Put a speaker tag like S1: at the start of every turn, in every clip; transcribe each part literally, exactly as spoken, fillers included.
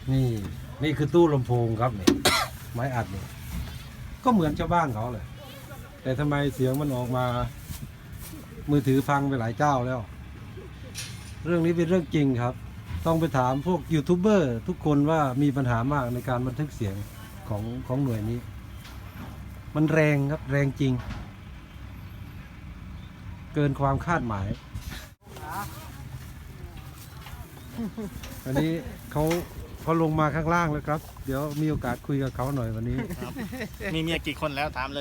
S1: นี่นี่คือตู้ลำโพงครับเนี่ยไม้อัดเนี่ยก็เหมือนชาวบ้านเขาเลยแต่ทำไมเสียงมันออกมามือถือพังไปหลายเจ้าแล้ว เรื่องนี้เป็นเรื่องจริงครับ ต้องไปถามพวกยูทูบเบอร์ทุกคนว่ามีปัญหามากในการบันทึกเสียงของของหน่วยนี้ มันแรงครับแรงจริง เกินความคาดหมายวันนี้เขาเขาลงมาข้างล่างแล้วครับ เดี๋ยวมีโอกาสคุยกับเขาหน่อยวันนี้
S2: มีเมียกี่คนแล้วถามเลย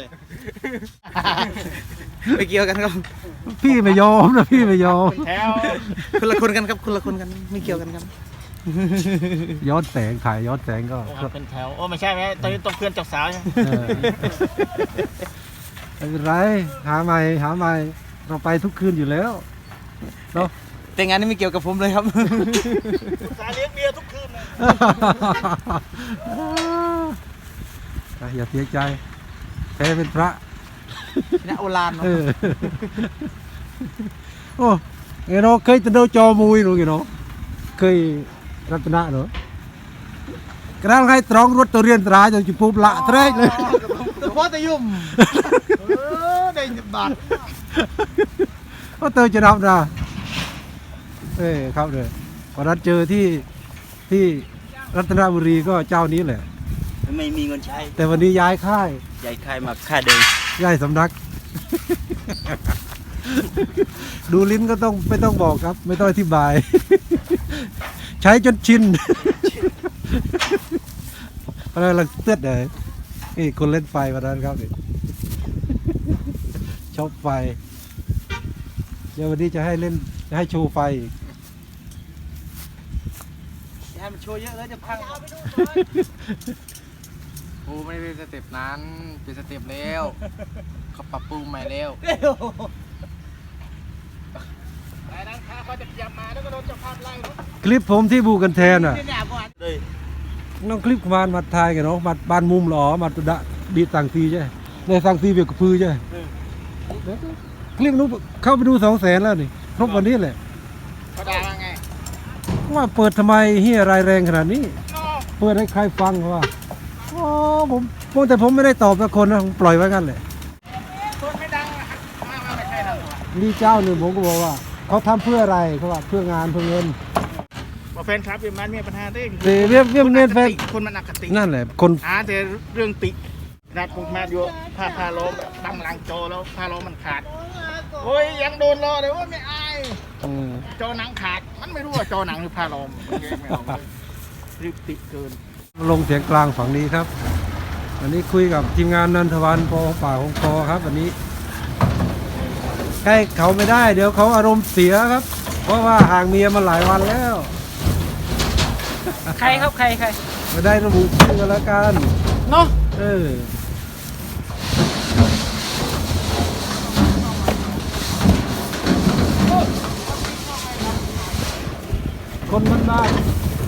S3: ไม่เกี่ยวกันครับ
S1: พี่ไม่ยอมนะพี่ไม่ยอม
S2: แถว
S3: คนละคนกันครับคนละคนกันไม่เกี่ยวกันครับ
S1: ย้อนแสงถ่ายย้อนแสงก็
S2: โอ้ครับเป็นแถวโอ้ไม่ใช่ไหมตอนนี้ต้องเพื่อนเจ้าสาวใช่ไหม
S1: เออไม่เป็นไรหาใหม่หาใหม่เราไปทุกคืนอยู่แล้วเนาะ
S3: แต่งานนี้ไม่เกี่ยวกับผมเลยครับ
S2: สาเลี้ยงเมียทุกคืนเลย
S1: อ่ะอย่าเสียใจแพ้เป็นพระ
S3: นะโอลานเนาะ
S1: เออโอ้เงี้ยเนาะเคยตะโดจอมุยหนูเงี้ยเนาะเคยรัตนะเนาะกระด้างให้ตรองรถตัวเรียนตราจนจุปุ๊บละเทรดเลย
S3: แต่ว่าแต่ยุ่มเออได้บาท
S1: ก็เตยจะนับนะเอ้ครับเลยวันนั้นเจอที่ที่รัตนบุรีก็เจ้านี้แหละ
S3: ไม่มีเงินใช้
S1: แต่วันนี้ย้ายค่าย
S3: ใหญ่ใครมาค่าเดิม
S1: ย้ายสำนัก ดูลิ้นก็ต้องไม่ต้องบอกครับ ไม่ต้องอธิบาย ใช้จนชิน อะไรลังเตือดเลยนี่คนเล่นไฟวันนั้นครับนี่ ชอบไฟเดี๋ยววันนี้จะให้เล่นจะให้โชว์ไฟอีก
S3: อย่าให้มันโชว์เยอะเลยจะพังโอ้ไม่เป็นสเต็ปนั้นเป็นสเต็ปแล้วเขาปรับปรุงใหม่แล้ว
S2: แต่นั้นข้าเขาจะพยายามมาแล้วก็โดนเจ้าภาพไล่รถ
S1: คลิปผมที่บูกันแทนอ่ะ
S2: เลย
S1: น้องคลิปมานมาทายกันเนาะมาบ้านมุมหรอมาดะดีต่างซีใช่ในต่างซีเบียกกับพือใช่คลิปนู้นเข้าไปดูสองแสนแล้วนี่ครบวันนี้แหละ
S2: เขาด่าว่าไง
S1: ว่าเปิดทำไมเฮียรายแรงขนาดนี้
S2: อ๋อ
S1: เปิดให้ใครฟังเขาว่าอ๋อผมผมแต่ผมไม่ได้ตอบสักคนนะผมปล่อยไว้กันแหละ
S2: คนไม่ดังอะมามาไม่ใช่เรา
S1: มีเจ้าหนึ่งผมก็บอกว่าเขาทำเพื่ออะไรเขาว่าเพื่องานเพื่อเงิน
S2: ว่าแฟนคลับเวียนมันมีปัญหาได้
S1: เดี๋ยวเวียนเวียนเวียนแฟน
S2: คนมันอคติ
S1: นั่นแหละคน
S2: อ่าแต่เรื่องตินัดผมมาอยู่ผ้าพาล้มตั้งหลังโจแล้วพาล้มมันขาดโอ้ยยังโดนรอเลยว่าไม่อาย
S1: เออ
S2: จอหนังขาดมันไม่รู้ว่าจอหนังหรือพาล้มมันแยกไม่ออกเลยรีบติเกิน
S1: ลงเสียงกลางฝั่งนี้ครับวันนี้คุยกับทีมงานนันทวันปอป่าของคอครับวันนี้ใกล้เขาไม่ได้เดี๋ยวเขาอารมณ์เสียครับ เพราะว่าห่างเมียมาหลายวันแล้ว
S3: ใครครับใครใคร
S1: ไม่ได้ระบุชื่อกันแล้วกัน
S3: เนาะ
S1: เออคนบ้านบ้าน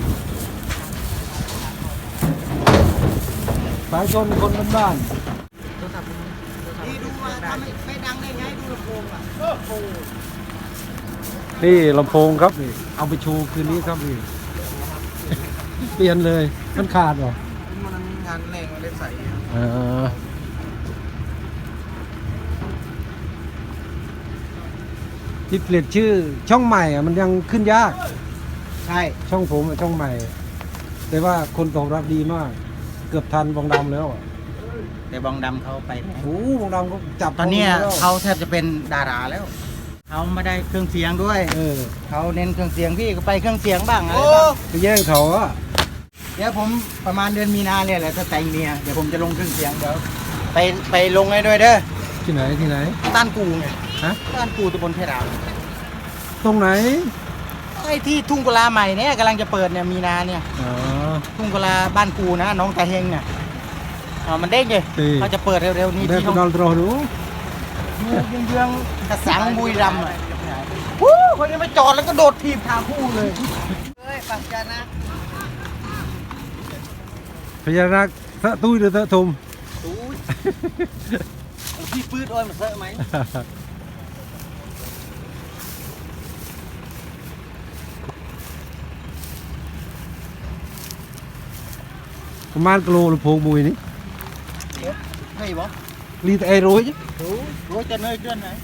S1: สายชนคนบ้านบ้าน
S3: นี่ดูว่าทำไม่ดังได้ไงดูลำโพงอ่ะ
S1: นี่ลำโพงครับนี่เอาไปโชว์คืนนี้ครับนี่ เปลี่ยนเลยมันขาดเหรอ
S3: มันงานแรงมาได้ใส่
S1: เออที่เปลี่ยนชื่อช่องใหม่อ่ะมันยังขึ้นยาก
S3: ใช่
S1: ช่องผมอะช่องใหม่ แต่ว่าคนตอบรับดีมาก เกือบทันบองดำแล้วอะ
S3: แต่บองดำเขาไปไหน
S1: โอ้บองดำก็จับ
S3: ตอนเนี้ย
S1: แล้ว
S3: เขาแทบจะเป็นดาราแล้วเขาไม่ได้เครื่องเสียงด้วย
S1: เออ
S3: เขาเน้นเครื่องเสียงพี่ก็ไปเครื่องเสียงบ้างอะไรบ้าง
S1: ไปแย่งเขาอะ
S3: เดี๋ยวผมประมาณเดือนมีนาเนี่ยแหละถ้าแต่งเมียเดี๋ยวผมจะลงเครื่องเสียงเดี๋ยวไปไปลงให้ด้วยเด้อ
S1: ที่ไหนที่ไหน
S3: ต้านกูไง
S1: ฮะ
S3: ต้านกูตะบนเพดาน
S1: ตรงไหน
S3: ไอ้ที่ทุ่งกุลาใหม่เนี่ยกำลังจะเปิดเนี่ยมีนาเนี่ย
S1: อ๋อ
S3: ทุ่งกุลาบ้านกูนะน้องตาเฮงเนี่ยอ๋อมันเด้งเลย
S1: เออ
S3: เขาจะเปิดเร็วๆนี้
S1: ได้
S3: ที่
S1: ไป
S3: ห้อง
S1: นอนรอดู
S3: เยื้องๆกระสังบุรีรัมย์อะวู้คนนี้มาจอดแล้วก็โดดถีบทางคู่เลยเฮ้ยปัจจานะ
S1: พญานาคสะตุ้ยหรือสะทุม
S3: ตู้ยพี่ปื้ดอ้อยมันเซอะไหม
S1: ประมาณกิโลลำโพงมวยนี่
S3: เฮ้ยบอ
S1: รีแต่ไอ้รู้chứ
S3: รู้รู้จะเนยเกินไหน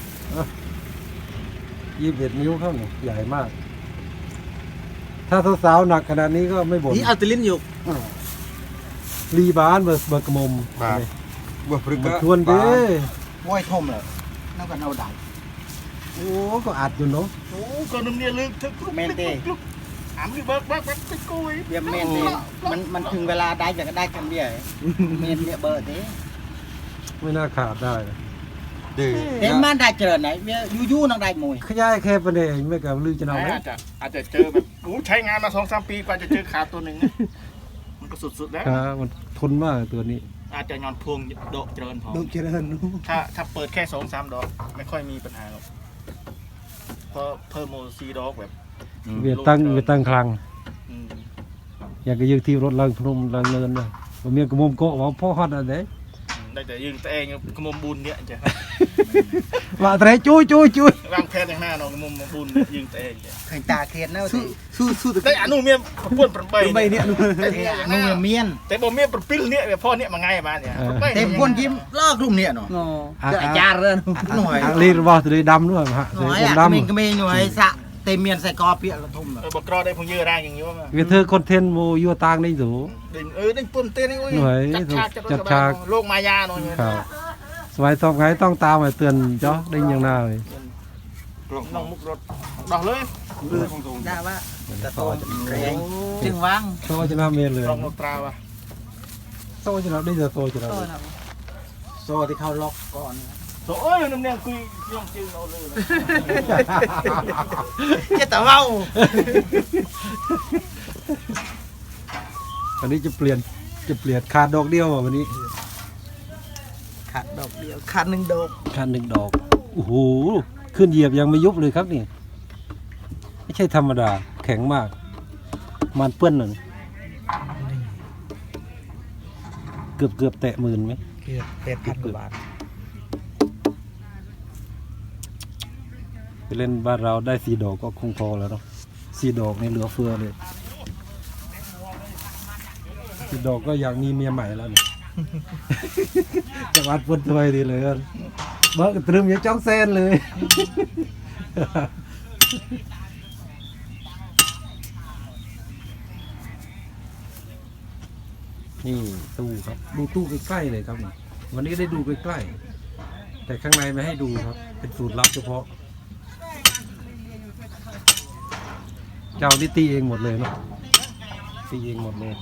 S1: ยี่สิบเอ็ดนิ้วเข้าเนี่ยใหญ่มาก ถ้าสาวๆหนักขนาดนี้ก็ไม่บ่น
S3: นี่เอาตะลิ้นอยู่
S1: รีบานเบอร์เบอร์กระมม
S4: Buah
S1: มัน
S4: perga.
S1: ทวนเด้
S3: มวยทมเลยนั่นก็เอาได้
S1: โอ้ก็อัดอยู่เนาะ
S2: โอ้ก็นุ่มเนี่ยลึกทึก
S3: เมนเต้
S2: อ่ำอยู่เบิกเบิกเบิกไปกุย
S3: เบียเมนเต้มันมันถึงเวลาได้จะก็ได้คำเดียวเมนเนี่ยเบอร์เต้
S1: ไม่น่าขาดได้นะ
S4: Deh.
S3: เต็มมันได้เจริญไหนเบียยูยูนั่งได้มวย
S1: ขยายแค่ประเดี๋ยวไม่กับลือจะเอาไหม
S2: อาจจะอาจจะเจอแบบโอ้ใช้งานมาสองสามปีกว่าจะเจอขาตัวหนึ่งนะมันก็สุดๆแล้ว
S1: ครับมันทนมากตัวนี้
S2: อาจจะย้อนพวงโดดเจริญพอ
S3: ดูเจริญ
S2: ถ้าถ้าเปิดแค่สองสามดอกไม่ค่อยมีปัญหาหรอกเพราะเพิ่มโมซีดอกแบบ
S1: เวียดตั้งเวียดตั้งคลัง
S2: อืม
S1: อยากจะยืดที่รถลังพนมลังเนินเลยผมมีกระมมโกะว่าพ่อฮอดอะไร
S2: ได้แต่ยืนแต่เองกระมมบุญเนี่ยจ้ะ
S1: ว่าแต่จุ้ยจุ้ยจุ้ยว
S2: างแผนอย่างหน้าเนาะกระมมบุญเนี่ยยืนแต่เองจ้ะ
S3: เคยตาเคียนแล้วสิสู้สู้
S2: แต่อนุเมียป้วนประเบย
S3: ไปเนี่ยนุ่มเมียน
S2: แต่บ่เมียประปิ้ลเนี่ยแบบพ่อเนี่ยมาไงมาเนี่ยประเบย
S3: เต็มคนยิ้มลอกลุ่มเนี่ยเนาะจะจาเรื่องหน่อย
S1: อังลีบอกตัวดำด้วยฮะ
S3: ห
S1: ตัว
S3: น่อย
S1: ผม
S3: อ่ะ
S1: ด
S3: มีก็มีหน่อยสะเต็มเมียนใส่กอเปียกระทุ่ม
S2: เออบอกรอได้พงยื้อแรงอย่างนี้ว่า
S1: ำเวียเธอคอนเทนต์โมยัวตางได้สู
S2: ดึงเออดึงปุ่มเต้นนี่
S1: หน่วย
S2: จัดฉากจัด
S1: จัดฉาก
S2: โลกมายาเนาะ
S1: ครับสมัยตอบไงต้องตามมาเตือนจ้อได้ยังหน้าเลย
S2: น้องมุกรถดอกเลย
S3: ได้ว่าจะโตแรงจึงว่าง
S1: โซ่จะน่าเมียนเลย
S2: รองรถตราวะ
S1: โซ่จะน่าได้จะโซ่จะน่า
S3: โซ่ที่เขาล็อกก่อน
S2: โอ้ยน้ำเนี่ยคุยย่องจืงเอาเลย
S3: จะแต่ว่า
S1: วันนี้จะเปลี่ยนจะเปลี่ยนขาดดอกเดียวอ่ะวันนี้
S3: ขาดดอกเดียวขาดหนึ่งดอก
S1: ขาดหนึ่งดอกโอ้โหขึ้นเหยียบยังไม่ยุบเลยครับนี่ไม่ใช่ธรรมดาแข็งมากมันเปื้อนหนึ่งเกือบเกือบแตะหมื่นไหม
S3: เกือบแปดพันกว่าบาท
S1: ไปเล่นบ้านเราได้สี่ดอกก็คงพอแล้วเนาะสี่ดอกในเหลือเฟือเลยสี่ดอกก็อยากมีเมียใหม่แล้วเนี่ย จะวัดพุ่นถวยดีเลยเบิกตรึมยังจ้องเส้นเลย นี่ตู้ครับดูตู้ใกล้ๆเลยครับนี่วันนี้ได้ดูใกล้ๆแต่ข้างในไม่ให้ดูครับ เป็นสูตรลับเฉพาะ เจ้านี่ตีเองหมดเลยเนาะตีเองหมดเลย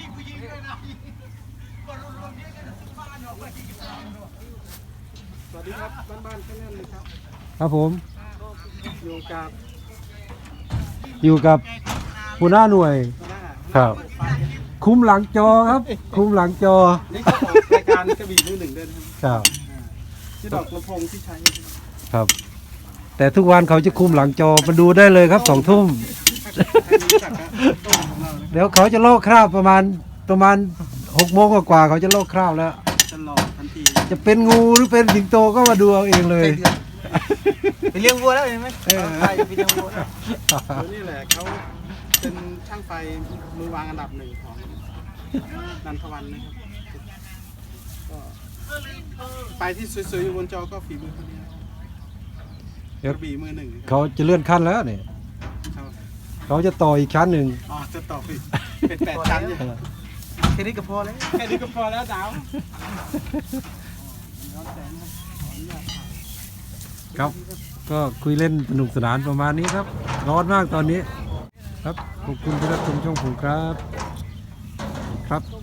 S1: สวัสดีครับบ้านๆแค่นั้นเลยครับครับผมอยู่กับอยู่กับหัวหน้าหน่วยครับคุ้มหลังจอครับ คุ้มหลังจอ
S4: นี่ก็ออกรายการกระบี่มือหนึ่งด้วยนะครับ
S1: ครับ
S4: ที่ดอกลำโพงที่ใช้
S1: ครับ แต่ทุกวันเขาจะคุมหลังจอมาดูได้เลยครับสองทุ่ม เดี๋ยวเขาจะโลกคราบประมาณประมาณหกโมงกว่าๆเขาจะโลกคราบแล้ว
S4: จะหลอดทันที
S1: จะเป็นงูหรือเป็นสิงโตก็มาดูเอาเองเลย
S3: ไปเลี้ยงวัวแล้วเห็นไหมไปไปเลี้ยงวัว
S4: ตัวนี้แหละเขาเป็นช่างไฟมือวางอันดับหนึ่งของนันทวันนะครับก็ไฟที่สวยๆอยู่บนจอก็ฝีมือคนนี้กระบี่มือหนึ่งนะครับ
S1: เขาจะเลื่อนขั้นแล้วเนี่ย
S4: ครับ
S1: เขาจะต่ออีกชั้นหนึ่ง
S4: อ๋อจะต่ออีกเป็นแปดชั้นอยู่
S3: แค่นี้ก็พอแล้ว
S4: แค่นี้ก็พอแล้วดาว
S1: ครับ ก็คุยเล่นสนุกสนานประมาณนี้ครับ ร้อนมากตอนนี้ ครับขอบคุณที่รับชมช่องผมครับ ครับ